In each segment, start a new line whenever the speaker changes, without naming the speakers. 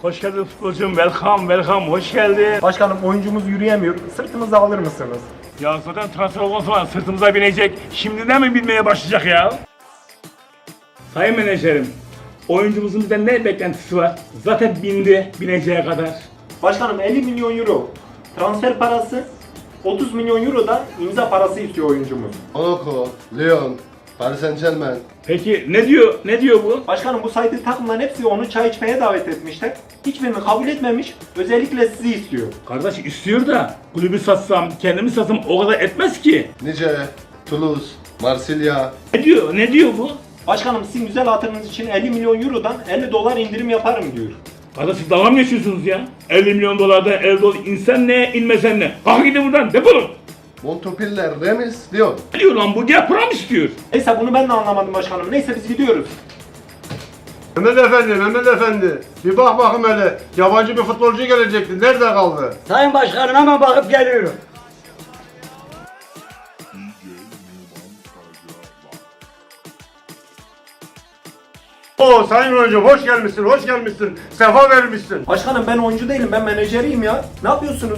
Hoş geldin futbolcum. Welcome. Hoş geldin.
Başkanım oyuncumuz yürüyemiyor. Sırtımıza alır mısınız?
Ya zaten transfer olma zaman sırtımıza binecek. Şimdiden mi binmeye başlayacak ya? Sayın menajerim, oyuncumuzun bizden ne beklentisi var? Zaten bindi, bineceği kadar.
Başkanım 50 milyon euro transfer parası, 30 milyon euro da imza parası istiyor oyuncumuz.
Monaco, Lyon, Paris Saint-Germain.
Peki ne diyor bu?
Başkanım bu saydığı takımların hepsi onu çay içmeye davet etmişler. Hiçbirini kabul etmemiş. Özellikle sizi istiyor.
Kardeş istiyor da kulübü satsam, kendimi satsam o kadar etmez ki.
Nice, Toulouse, Marsilya.
Ne diyor bu?
Başkanım sizin güzel hatırınız için 50 milyon eurodan 50 dolar indirim yaparım diyor.
Kardeş siz dalga mı geçiyorsunuz ya? 50 milyon dolardan 50 dolar insen ne, inmesen ne? Kalk gidin buradan, defolun.
Montpellier, Reims, Lyon.
Ne diyor lan bu? Gel para mı istiyor?
Neyse bunu ben de anlamadım başkanım. Neyse biz gidiyoruz.
Mehmet Efendi. Bir bak bakım hele. Yabancı bir futbolcu gelecekti. Nerede kaldı?
Sayın Başkanım hemen bakıp geliyorum.
Oo sayın oyuncu hoş gelmişsin. Sefa vermişsin.
Başkanım ben oyuncu değilim, ben menajeriyim ya. Ne yapıyorsunuz?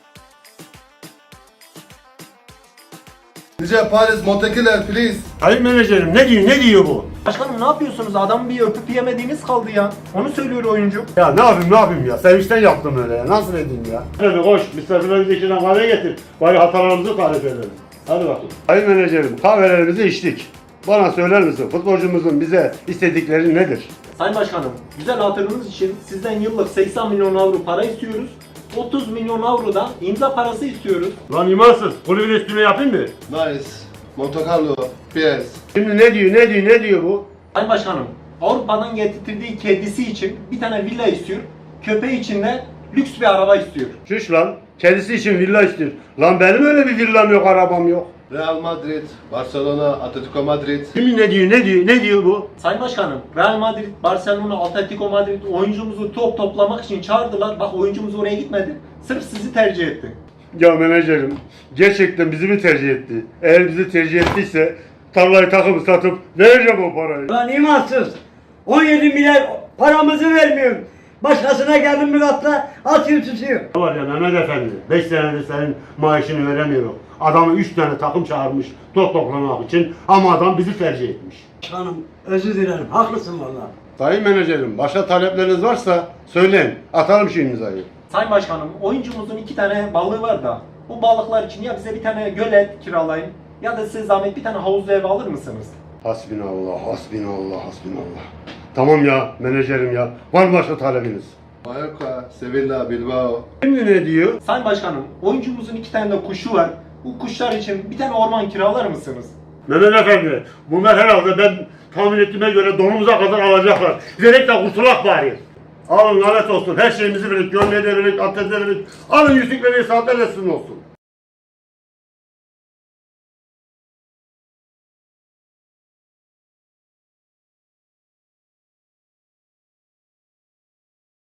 Nice, Paris, Montpellier, please.
Sayın menajerim ne diyor bu?
Başkanım ne yapıyorsunuz? Adamı bir öpüp yemediğiniz kaldı ya. Onu söylüyor oyuncu.
Ya ne yapayım ya? Sevinçten yaptım öyle ya. Nasıl edeyim ya? Hadi koş misafirlerimizi içine kahve getir. Bari hatalarımızı tarif edelim. Hadi bakalım. Sayın menajerim kahvelerimizi içtik. Bana söyler misin futbolcumuzun bize istedikleri nedir?
Sayın Başkanım, güzel hatırınız için sizden yıllık 80 milyon avro para istiyoruz. 30 milyon avro da imza parası istiyoruz.
Lan imansız. Kulübün üstüne yapayım mı?
Nice, Monte Carlo, Pires.
Şimdi ne diyor bu?
Sayın Başkanım, Avrupa'dan getirdiği kedisi için bir tane villa istiyor. Köpeği için de lüks bir araba istiyor.
Şuş lan. Kendisi için villa istiyor. Lan benim öyle bir villam yok, arabam yok.
Real Madrid, Barcelona, Atletico Madrid.
Şimdi ne diyor bu?
Sayın Başkanım, Real Madrid, Barcelona, Atletico Madrid oyuncumuzu toplamak için çağırdılar. Bak oyuncumuz oraya gitmedi. Sırf sizi tercih etti.
Ya menajerim, gerçekten bizi mi tercih etti? Eğer bizi tercih ettiyse tarlayı takımı satıp vereceğim o parayı.
Lan imansız. 17 milyar paramızı vermiyor. Başkasına geldim mi katla atıyor tutuyor.
Ne var ya Mehmet Efendi, 5 senedir senin maaşını veremiyorum. Adamı 3 tane takım çağırmış toplamak için ama adam bizi tercih etmiş.
Başkanım özür dilerim haklısın vallahi.
Sayın menajerim, başka talepleriniz varsa söyleyin, atalım şu imzayı.
Sayın Başkanım, oyuncumuzun 2 tane balığı var da bu balıklar için ya bize bir tane gölet kiralayın ya da size zahmet bir tane havuzlu ev alır mısınız?
Hasbinallah. Tamam ya menajerim ya, var mı başka talebiniz?
Mallorca, Sevilla, Bilbao.
Şimdi ne diyor?
Sayın Başkanım, oyuncumuzun 2 tane de kuşu var. Bu kuşlar için bir tane orman kiralar mısınız?
Mehmet Efendi, bunlar herhalde ben tahmin ettiğime göre donumuza kadar alacaklar. Verek de kurtulak bari. Alın lanet olsun, her şeyimizi verip, gömleği de verip, atlet de verip, alın yüzükleri, saatlerle sizin olsun.